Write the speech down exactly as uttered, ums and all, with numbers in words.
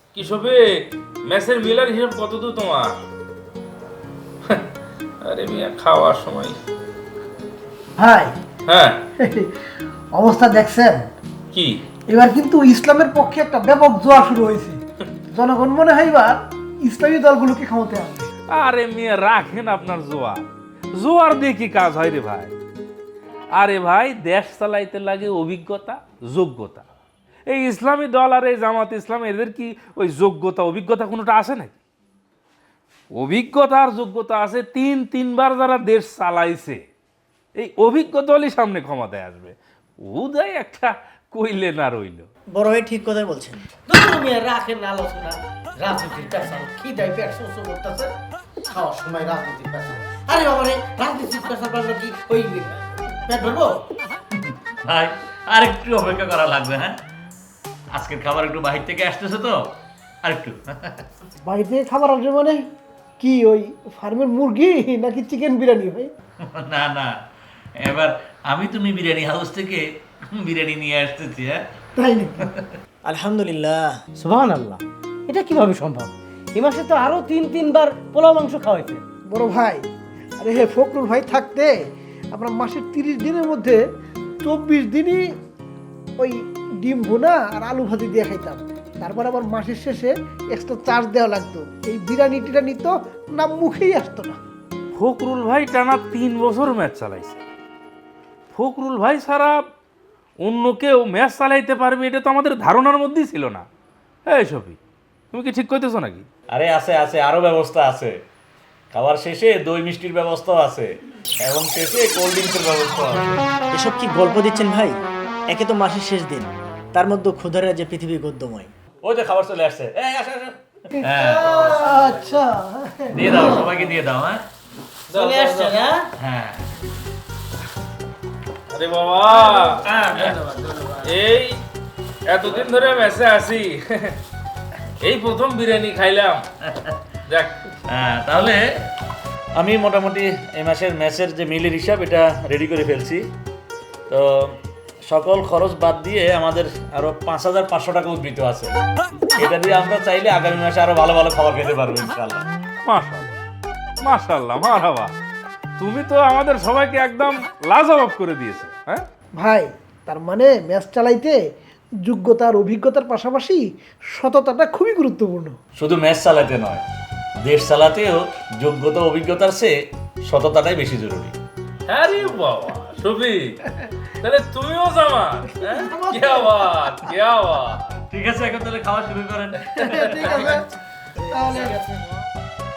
কি সবে ম্যাচের মিলার হিসাব কত দূর তোমার? আরে মিয়া খাওয়ার সময়। ভাই হ্যাঁ অবস্থা দেখছেন? কি এবার কিন্তু ইসলামের পক্ষে একটা ব্যাপক জোয়ার শুরু হয়েছে। জনগণ মনে হয় এবার ইসলামী দলগুলোকে ক্ষমতা আনবে। আরে মিয়া রাখেন আপনার জোয়ার, জোয়ার দিয়ে কি কাজ হয় রে ভাই? আরে ভাই দেশ চালাইতে লাগে অভিজ্ঞতা যোগ্যতা। এই ইসলামী দল আর এই জামাত ইসলাম এদের কি ওই যোগ্যতা অভিজ্ঞতা কোনোটা আছে নাকি? অভিজ্ঞতা আর যোগ্যতা আছে, তিন তিনবার যারা দেশ চালাইছে এই অভিজ্ঞ দলই সামনে ক্ষমতায় আসবে। উদয় একটা কইলে না রইল। বড় ভাই ঠিক কথাই বলছেন। তুমি রাখেন আলোচনা রাজনীতির পেশাল খিদাই পেট শোষ করতেছে খাওয়ার সময় রাজনীতির পেশাল। আরে বাবা রে রাজনীতির পেশাল পারলে কি ওই পেট ভরবো? ভাই আর একটু অপেক্ষা করা লাগবে। হ্যাঁ আজকের খাবার একটু বাহির থেকে আসতেছে তো আর একটু। বাড়ি থেকে খাবার আসবে মানে কি ওই ফার্মের মুরগি নাকি চিকেন বিরিয়ানি ভাই? না না এবার আমি তুমি বিরিয়ানি হাউস থেকে বিরিয়ানি নিয়ে আসতেছি। হ্যাঁ তাই নাকি? আলহামদুলিল্লাহ। সুবহানাল্লাহ, এটা কিভাবে সম্ভব? এই মাসে তো আরো তিন তিনবার পোলাও মাংস খাওয়াইছে। বড় ভাই, আরে হে ফখরুল ভাই থাকতে আমরা মাসের তিরিশ দিনের মধ্যে চব্বিশ দিনই ওই ডিম ভুনা আর আলু ভাজি দিয়ে খাইতাম। তারপর আবার মাসের শেষে এক্সট্রা চার্জ দেওয়া লাগতো। এই বিরিয়ানি টিরানি তো না মুখেই আসতো না। ফখরুল ভাই টানা তিন বছর ম্যাচ চালাইছে। ফখরুল ভাই ছাড়া অন্য কেউ ম্যাচ চালাইতে পারবে এটা তো আমাদের ধারণার মধ্যেই ছিল না। এই সফি, তুমি কি ঠিক কইতেছো নাকি? আরে আছে আছে আরো ব্যবস্থা আছে। খাবার শেষে দই মিষ্টির ব্যবস্থাও আছে এবং শেষে কোল্ড ড্রিঙ্কসের ব্যবস্থা আছে। এসব কি গল্প দিচ্ছেন ভাই? একে তো মাসের শেষ দিন, তার মধ্যে ক্ষুধার যে পৃথিবী গদ্যময়। ওই যে খাবার চলে আসছে। এই আসো আসো। হ্যাঁ আচ্ছা, দিয়ে দাও সবাইকে দিয়ে দাও। হ্যাঁ চলে আসছে না? হ্যাঁ আরে বাবা, এই এতদিন ধরে ম্যাচে আছি, এই প্রথম বিরিয়ানি খাইলাম। দেখ হ্যাঁ তাহলে আমি মোটামুটি এই মাসের ম্যাচের যে মিলের হিসাব এটা রেডি করে ফেলছি। তো সকল খরচ বাদ দিয়ে আমাদের আরো পাঁচ হাজার পাঁচশো টাকা উদ্বৃত্ত আছে। এটা দিয়ে আমরা চাইলে আগামী মাসে আরো ভালো ভালো খাবার খেতে পারবো ইনশাল্লাহ। মাশাআল্লাহ মাশাআল্লাহ মারহাবা, তুমি তো আমাদের সবাইকে একদম লাজবাব করে দিয়েছো। হ্যাঁ ভাই তার মানে ম্যাচ চালাইতে যোগ্যতা আর অভিজ্ঞতার পাশাপাশি সততাটা খুবই গুরুত্বপূর্ণ। শুধু ম্যাচ চালাতে নয়, দেশ চালাতেও যোগ্যতা অভিজ্ঞতার চেয়ে সততাটাই বেশি জরুরি। আরে বাবা সফি, তাহলে তুমিও জামাত? হ্যাঁ কি আওয়াজ কি আওয়াজ। ঠিক আছে এখন তাহলে খাওয়া শুরু করেন। ঠিক আছে তাহলে